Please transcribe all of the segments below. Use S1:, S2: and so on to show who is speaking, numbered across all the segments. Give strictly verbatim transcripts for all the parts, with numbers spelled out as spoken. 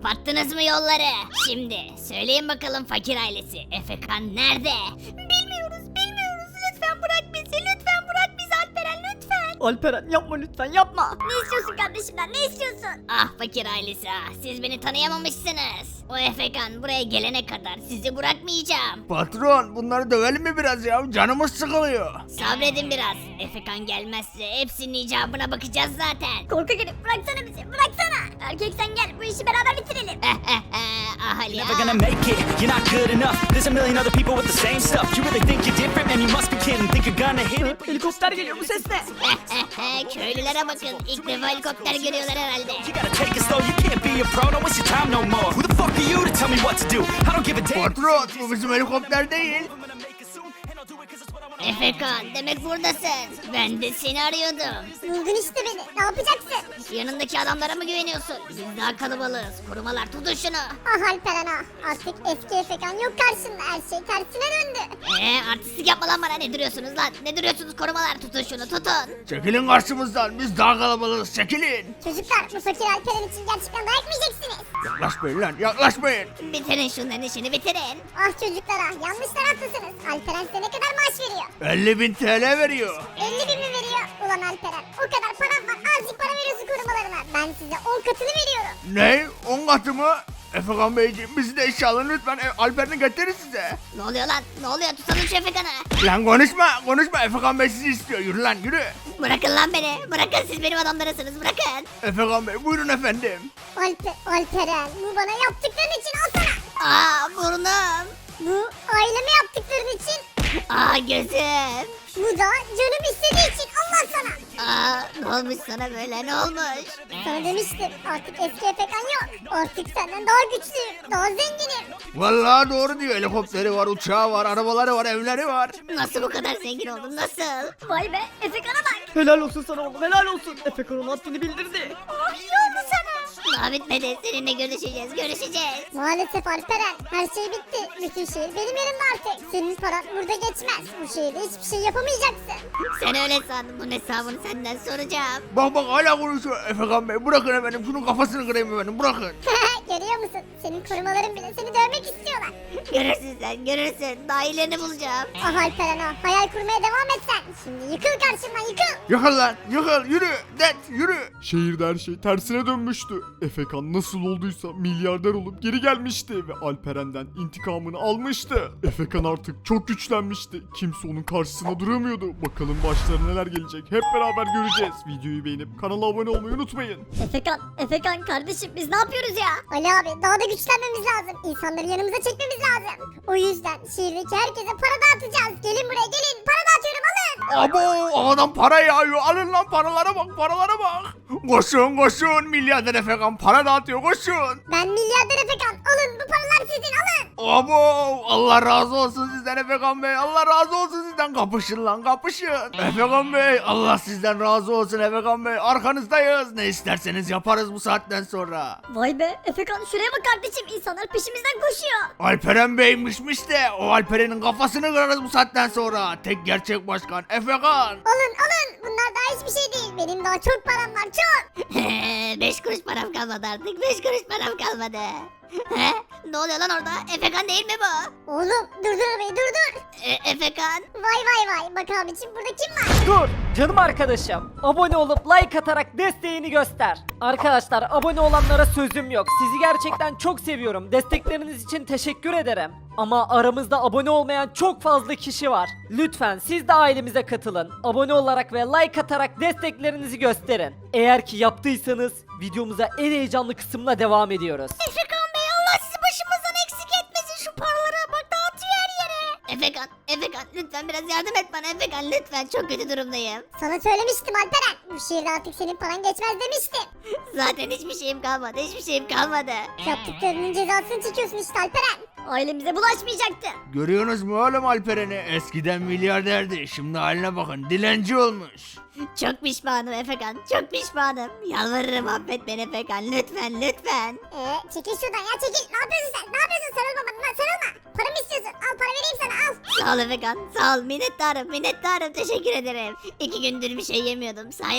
S1: Kapattınız mı yolları? Şimdi söyleyin bakalım fakir ailesi. Efekan nerede?
S2: Bilmiyoruz bilmiyoruz. Lütfen bırak bizi. Lütfen bırak bizi Alperen lütfen.
S3: Alperen yapma lütfen yapma.
S2: Ne istiyorsun kardeşimden ne istiyorsun?
S1: Ah fakir ailesi ah. Siz beni tanıyamamışsınız. O Efekan buraya gelene kadar sizi bırakmayacağım.
S4: Patron bunları dövelim mi biraz ya? Canımız sıkılıyor.
S1: Sabredin biraz. Efekan gelmezse hepsinin icabına bakacağız zaten.
S2: Korku gelip bıraksana bizi bıraksana. Erkek sen gel bu işi beraber bitirelim.
S1: ah Ali
S5: Never gonna make it, you're not good enough. There's a million other people with the same stuff. You really think you're different, man, you must be kidding. Think you're gonna hit it?
S3: Helikopter geliyor, bu ses ne?
S1: Köylülere bakın. İlk defa helikopter görüyorlar herhalde.
S5: You gotta take it slow, you can't be a pro, don't waste your time no more. Who the fuck are you to tell me what to do? I don't give a damn.
S4: Patron bu bizim helikopter değil.
S1: Efekan demek buradasın. Ben de seni arıyordum.
S2: Buldun işte beni ne yapacaksın?
S1: Yanındaki adamlara mı güveniyorsun? Biz daha kalabalığız. Korumalar tutun şunu.
S2: Ah Alperen ah artık eski Efekan yok karşında her şey tersine döndü.
S1: Eee artistlik yapma lan bana. Ne duruyorsunuz lan? Ne duruyorsunuz korumalar? Tutun şunu tutun.
S4: Çekilin karşımızdan biz daha kalabalığız çekilin.
S2: Çocuklar bu fakir Alperen için gerçekten dayak mı yiyeceksiniz?
S4: Yaklaşmayın lan yaklaşmayın.
S1: Bitirin şunların işini bitirin.
S2: Ah çocuklar ah yanlış taraftasınız. Alperen size ne kadar maaş veriyor?
S4: elli bin T L veriyor.
S2: elli bin mi veriyor? Ulan Alperen o kadar param var azıcık para veriyorsun korumalarına. Ben size on katını veriyorum.
S4: Ne? on katı mı? Efekan Beyciğim bizi de işe alın lütfen. E, Alper'ini getirir size.
S1: Ne oluyor lan? Ne oluyor? Tutalım şu Efekan'ı.
S4: Lan konuşma konuşma Efekan Bey sizi istiyor. Yürü lan yürü.
S1: Bırakın lan beni. Bırakın siz benim adamlarısınız. Bırakın.
S4: Efekan Bey buyurun efendim.
S2: Alper, Alperen bu bana yaptıkların için al sana.
S1: Aa burnum.
S2: Bu aileme yaptıkların için.
S1: Aa gözüm.
S2: Bu da canım istediği için Allah sana.
S1: Aa ne olmuş sana böyle? Ne olmuş?
S2: Sana demiştim artık eski Efekan yok. Artık senden daha güçlüyüm, daha zenginim.
S4: Vallahi doğru diyor. Helikopteri var, uçağı var, arabaları var, evleri var.
S1: Nasıl bu kadar zengin oldun? Nasıl?
S2: Vay be Efekan'a bak.
S3: Helal olsun sana oğlum, helal olsun. Efekan onun haddini bildirdi.
S2: Oh iyi oldu sana.
S1: Daha bitmedi. Seninle görüşeceğiz. Görüşeceğiz.
S2: Maalesef Alperen her şey bitti. Bütün şehir benim yerimde artık. Senin paran burada geçmez. Bu şehirde hiçbir şey yapamayacaksın.
S1: Sen öyle san. Bunun hesabını senden soracağım.
S4: Bak bak hala konuşuyor Efekan Bey. Bırakın efendim şunun kafasını kırayım efendim bırakın.
S2: Görüyor musun? Senin korumaların bile seni dövmek istiyorlar.
S1: Görürsün sen. Görürsün. Daha iyilerini bulacağım.
S2: Ah Alperen ah hayal kurmaya devam et sen. Şimdi yıkıl karşımdan yıkıl.
S4: Yıkıl lan yıkıl yürü det yürü.
S6: Şehirde her şey tersine dönmüştü. Efekan nasıl olduysa milyarder olup geri gelmişti ve Alperen'den intikamını almıştı. Efekan artık çok güçlenmişti. Kimse onun karşısına duramıyordu. Bakalım başlarına neler gelecek hep beraber göreceğiz. Videoyu beğenip kanala abone olmayı unutmayın.
S2: Efekan, Efekan kardeşim biz ne yapıyoruz ya? Ali abi daha da güçlenmemiz lazım. İnsanları yanımıza çekmemiz lazım. O yüzden şehirdeki herkese para dağıtacağız. Gelin buraya gelin. Para dağıtıyorum alın.
S4: Abo ağadan para yağıyor alın lan paralara bak paralara bak. Koşun koşun milyarder Efekan para dağıtıyor koşun.
S2: Ben milyarder Efekan. Alın bu paralar sizin alın.
S4: Abo Allah razı olsun sizden Efekan Bey Allah razı olsun sizden kapışın lan kapışın. Efekan Bey Allah sizden razı olsun Efekan Bey arkanızdayız ne isterseniz yaparız bu saatten sonra.
S2: Vay be Efekan şuraya bak kardeşim. İnsanlar peşimizden koşuyor.
S4: Alperen Bey'mişmiş de o Alperen'in kafasını kırarız bu saatten sonra. Tek gerçek başkan Efekan.
S2: Alın alın. Bunlar daha hiçbir şey değil. Benim daha çok param var çok.
S1: Beş kuruş param kalmadı artık. Beş kuruş param kalmadı. He? Ne oluyor lan orada? Efekan değil mi bu?
S2: Oğlum durdur arabayı durdur.
S1: E, Efekan.
S2: Vay vay vay. Bak abicim burada kim var?
S3: Dur canım arkadaşım. Abone olup like atarak desteğini göster. Arkadaşlar abone olanlara sözüm yok. Sizi gerçekten çok seviyorum. Destekleriniz için teşekkür ederim. Ama aramızda abone olmayan çok fazla kişi var. Lütfen siz de ailemize katılın. Abone olarak ve like atarak desteklerinizi gösterin. Eğer ki yaptıysanız videomuza en heyecanlı kısımla devam ediyoruz.
S2: Efekan Bey Allah sizi başımızdan eksik etmesin. Şu paralara bak dağıtıyor her yere.
S1: Efekan. Efekan lütfen biraz yardım et bana Efekan lütfen. Çok kötü durumdayım.
S2: Sana söylemiştim Alperen. Bu şehirde artık senin paran geçmez demiştim.
S1: Zaten hiçbir şeyim kalmadı. Hiçbir şeyim kalmadı.
S2: Yaptıklarının cezasını çekiyorsun işte Alperen. Ailemize bulaşmayacaktı.
S4: Görüyorsunuz mu oğlum Alperen'i? Eskiden milyarderdi. Şimdi haline bakın dilenci olmuş.
S1: Çok pişmanım Efekan. Çok pişmanım. Yalvarırım affet beni Efekan. Lütfen lütfen.
S2: Ee, çekil şuradan ya çekil. Ne yapıyorsun sen? Ne yapıyorsun? Sarılma bana. lan, Sarılma. Para mı istiyorsun? Al para vereyim sana al.
S1: Sağ ol Efekan. Sağ ol. Minnettarım. Minnettarım. Teşekkür ederim. İki gündür bir şey yemiyordum. Sayende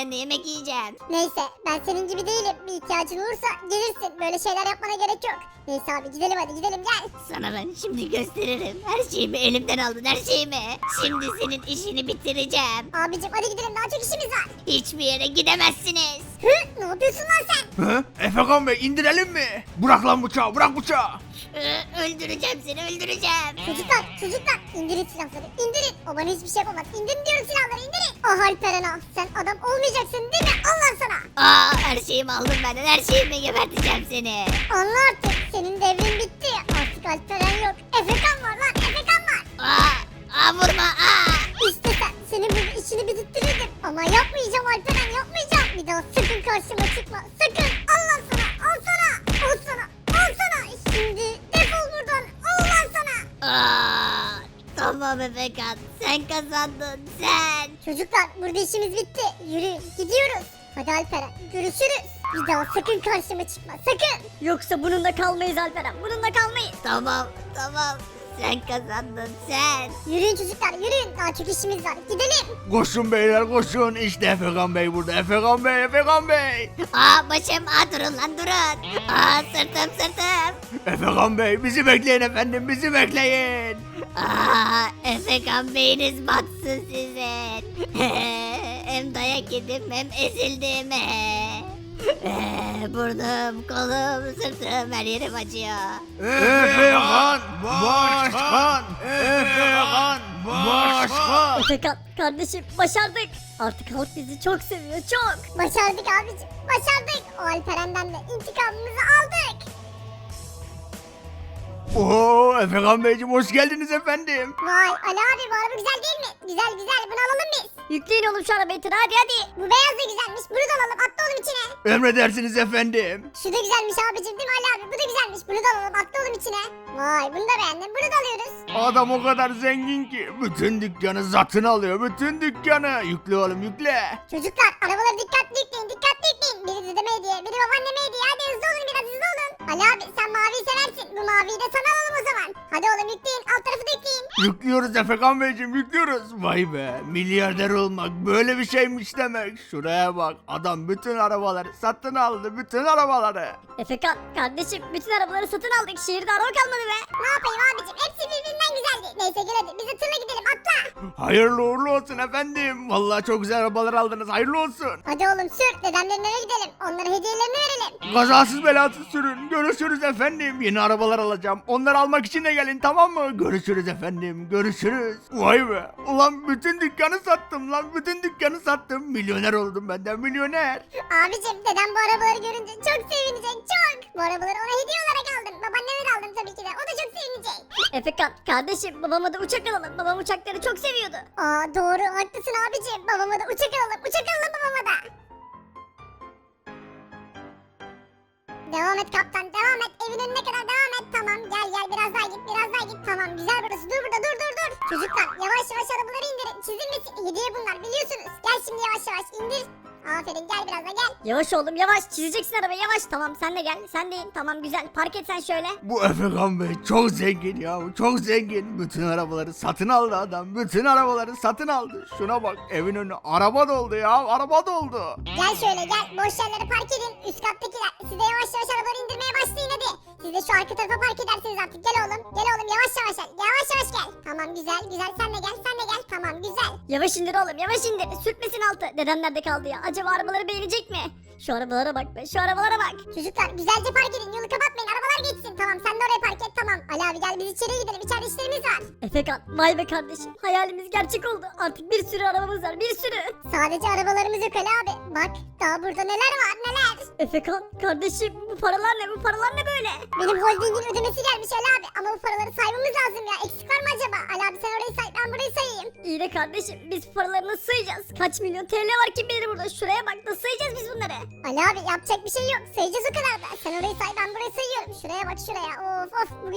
S1: yanında yemek yiyeceğim.
S2: Neyse ben senin gibi değilim. Bir ihtiyacın olursa gelirsin. Böyle şeyler yapmana gerek yok. Neyse abi gidelim hadi gidelim gel.
S1: Sana ben şimdi gösteririm. Her şeyimi elimden aldın, her şeyimi. Şimdi senin işini bitireceğim.
S2: Abicim hadi gidelim daha çok işimiz var.
S1: Hiçbir yere gidemezsiniz.
S2: Hı, ne yapıyorsun lan sen?
S4: Hı? Efekan Bey indirelim mi? Bırak lan bıçağı bırak bıçağı.
S1: Ee, öldüreceğim seni, öldüreceğim.
S2: Çocuklar çocuklar indirin silahları indirin. O bana hiçbir şey yapamaz. İndirin diyorum silahları indirin. Ah Alperen ah sen adam olmayacaksın değil mi? Allah sana.
S1: Aa, her şeyimi aldın benden, her şeyimi geberteceğim seni.
S2: Anla artık senin devrin bitti. Artık Alperen yok. Efekan var lan Efekan var.
S1: Aa, aa vurma, aa.
S2: İşte sen senin bu işini bitirttirdim. Ama yapmayacağım Alperen yapmayacağım. Bir daha sakın karşıma çıkma. Sakın. Allah sana al sana. Al sana. Al sana. Şimdi defol buradan. Allah sana.
S1: Aa, tamam Efekan, sen kazandın, sen.
S2: Çocuklar burada işimiz bitti. Yürüyün gidiyoruz. Hadi Alperen görüşürüz. Bir daha sakın karşıma çıkma sakın.
S7: Yoksa bununla kalmayız Alperen. Bununla kalmayız.
S1: Tamam, tamam, sen kazandın, sen.
S2: Yürüyün çocuklar yürüyün. Daha çok işimiz var. Gidelim.
S4: Koşun beyler koşun. İşte Efekan Bey burada. Efekan Bey Efekan Bey.
S1: Aa, başım, aa, durun lan durun. Aa, sırtım, sırtım.
S4: Efekan Bey bizi bekleyin efendim bizi bekleyin.
S1: Aa, Efekan beyiniz batsın sizin. Hem dayak yedim hem ezildim. Ee, burnum, kolum, sırtım, her yerim acıyor.
S4: Efekan Başkan. Efekan Başkan.
S7: Efekan kardeşim başardık. Artık halk bizi çok seviyor çok.
S2: Başardık abicim. Başardık. O Alperen'den de intikamımızı aldık.
S4: Oo Efekan Beyciğim hoş geldiniz efendim.
S2: Vay Ali abi bu araba güzel değil mi? Güzel güzel bunu alalım biz.
S7: Yükleyin oğlum şu arabayı tır hadi hadi.
S2: Bu beyaz da güzelmiş. Bunu da alalım. Atla oğlum içine.
S4: Emredersiniz efendim.
S2: Şu da güzelmiş abicim değil mi Ali abi? Bu da güzelmiş. Bunu da alalım. Atla oğlum içine. Vay bunu da beğendim. Bunu da alıyoruz.
S4: Adam o kadar zengin ki bütün dükkanı zatın alıyor. Bütün dükkanı. Yükle oğlum yükle.
S2: Çocuklar arabaları dikkatli yükleyin. Dikkatli yükleyin. Biri dedeme hediye. Biri babaanneme hediye. Hadi hızlı olun biraz hızlı olun. Ali abi sen maviyi seversin. Bu maviyi de sana alalım o zaman. Hadi oğlum yükleyin. Alt tarafı da yükleyin.
S4: Yüklüyoruz Efekan Beyciğim yüklüyoruz. Vay be milyarder olmak böyle bir şeymiş demek. Şuraya bak adam bütün arabaları satın aldı bütün arabaları.
S7: Efekan kardeşim bütün arabaları satın aldık. Şehirde araba kalmadı be.
S2: Ne yapayım abicim? Hepsi birbirinden güzeldi. Neyse gel hadi. Biz de tırla gidelim. Atla.
S4: Hayırlı uğurlu olsun efendim. Vallahi çok güzel arabalar aldınız hayırlı olsun.
S2: Hadi oğlum sür. Dedemlerin eve gidelim. Onlara hediyelerini verelim.
S4: Kazasız belasız sürün. Görüşürüz efendim. Yeni arabalar alacağım. Onları almak için de gelin tamam mı? Görüşürüz efendim. Görüşürüz. Vay be. Ulan bütün dükkanı sattım lan. Bütün dükkanı sattım. Milyoner oldum benden milyoner.
S2: Abicim dedem bu arabaları görünce çok sevinecek çok. Bu arabaları ona hediye olarak aldım. Babaanneme de aldım tabii ki de. O da çok sevinecek.
S7: Efekan kardeşim babama da uçak alalım. Babam uçakları çok seviyordu.
S2: Aa doğru haklısın abicim. Babama da uçak alalım. Uçak alalım babama da. Devam et kaptan devam et. Evin önüne kadar devam et. Tamam gel gel biraz daha git biraz daha git. Tamam güzel burası. Dur burada dur dur dur. Çocuklar yavaş yavaş arabaları indirin. Çizilmesin. Hediye bunlar biliyorsunuz. Gel şimdi yavaş yavaş indir. Aferin gel biraz da gel.
S7: Yavaş oğlum yavaş çizeceksin arabayı yavaş. Tamam sen de gel sen de in. Tamam güzel park et sen şöyle.
S4: Bu Efekan Bey çok zengin ya. Çok zengin. Bütün arabaları satın aldı adam. Bütün arabaları satın aldı. Şuna bak evin önü araba doldu ya. Araba doldu.
S2: Gel şöyle gel. Boş yerleri park edin. Üst kattakiler. Siz de yavaş yavaş arabaları indirmeye başlayın hadi. Siz de şu arka tarafa park edersiniz artık. Gel oğlum. Gel oğlum yavaş yavaş gel. Yavaş yavaş gel. Tamam güzel güzel sen de gel sen de gel. Tamam güzel.
S7: Yavaş indir oğlum yavaş indir. Sürtmesin altı. Dedem nerede kaldı ya? Acaba arabaları beğenecek mi? Şu arabalara bak be şu arabalara bak.
S2: Çocuklar güzelce park edin. Yolu kapatmayın. Arabalar geçsin. Tamam sen de oraya park et. Tamam. Ali abi gel biz içeriye gidelim. İçeride işlerimiz var.
S7: Efekan vay be kardeşim hayalimiz gerçek oldu. Artık bir sürü arabamız var bir sürü.
S2: Sadece arabalarımız yok Ali abi. Bak daha burada neler var neler.
S7: Efekan kardeşim bu paralar ne bu paralar ne böyle?
S2: Benim holdingin ödemesi gelmiş Ali abi. Ama bu paraları saymamız lazım ya. Eksik var mı acaba? Ali abi sen orayı say. Ben burayı sayayım.
S7: İyi de kardeşim biz bu paraları nasıl sayacağız? Kaç milyon T L var kim bilir burada şuraya bak nasıl sayacağız biz bunları?
S2: Ali abi yapacak bir şey yok. Sayacağız o kadar da. Sen orayı say ben burayı sayıyorum. Şuraya bak şuraya. Of of bugün çok uğraştık.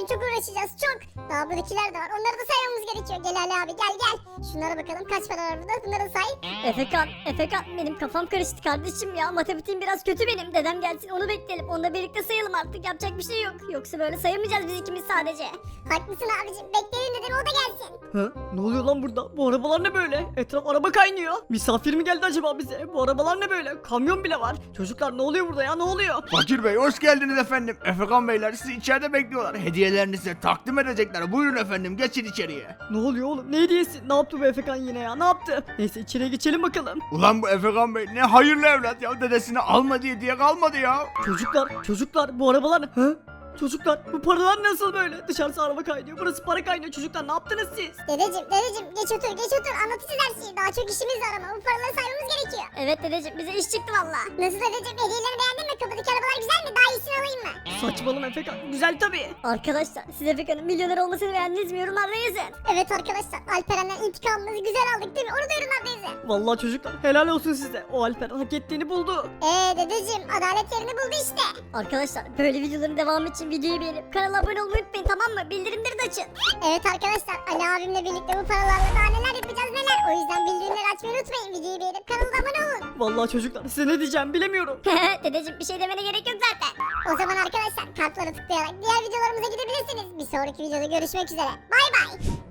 S2: uğraşacağız çok. Daha buradakiler de var. Onları da saymamız gerekiyor. Gel Ali abi gel gel. Şunlara bakalım kaç para var burada. Bunları say.
S7: Efekan, Efekan benim kafam karıştı kardeşim ya. Matematiğim biraz kötü benim. Dedem gelsin onu bekleyelim. Onunla birlikte sayalım artık. Yapacak bir şey yok. Yoksa böyle sayamayacağız biz ikimiz sadece.
S2: Haklısın abicim. Bekleyelim dedim o da gelsin.
S8: Ha? Ne oluyor lan burada? Bu arabalar ne böyle? Etraf araba kaynıyor. Misafir mi geldi acaba bize? Bu arabalar ne böyle? Kamyon bile var. Çocuklar ne oluyor burada ya? Ne oluyor?
S4: Fakir Bey hoş geldiniz efendim. Efekan Beyler sizi içeride bekliyorlar. Hediyelerini size takdim edecekler. Buyurun efendim geçin içeriye.
S8: Ne oluyor oğlum? Ne hediyesi? Ne yaptı bu Efekan yine ya? Ne yaptı? Neyse içeriye geçelim bakalım.
S4: Ulan bu Efekan Bey ne hayırlı evlat ya. Dedesini alma diye diye kalmadı ya.
S8: Çocuklar, çocuklar bu arabalar ne? Ha? Çocuklar bu paralar nasıl böyle? Dışarısı araba kaynıyor. Burası para kaynıyor. Çocuklar ne yaptınız siz?
S2: Dedeciğim dedeciğim geç otur geç otur anlatacağız her şeyi. Daha çok işimiz var ama bu paraları saymamız gerekiyor.
S7: Evet dedeciğim bize iş çıktı valla.
S2: Nasıl dedeciğim hediyelerini beğendin mi? Kapıdaki arabalar güzel mi? Daha iyisini alayım mı?
S8: Saçmalama Efekan. Güzel tabii.
S7: Arkadaşlar siz Efekan'ın milyoner olmasını beğendiniz mi? Yorumlarda yazın.
S2: Evet arkadaşlar Alperen'den intikamımızı güzel aldık değil mi? Onu da yorumlarda yazın.
S8: Vallahi çocuklar helal olsun size. O Alper hak ettiğini buldu.
S2: Eee dedeciğim adalet yerini buldu işte.
S7: Arkadaşlar böyle videoların devamı için videoyu beğenip kanala abone olmayı unutmayın tamam mı? Bildirimleri de açın.
S2: Evet arkadaşlar Ali abimle birlikte bu paralarla daha neler yapacağız neler. O yüzden bildirimleri açmayı unutmayın. Videoyu beğenip kanala abone olun.
S8: Vallahi çocuklar size ne diyeceğim bilemiyorum.
S7: Dedeciğim bir şey demene gerek yok zaten.
S2: O zaman arkadaşlar kartlara tıklayarak diğer videolarımıza gidebilirsiniz. Bir sonraki videoda görüşmek üzere. Bay bay.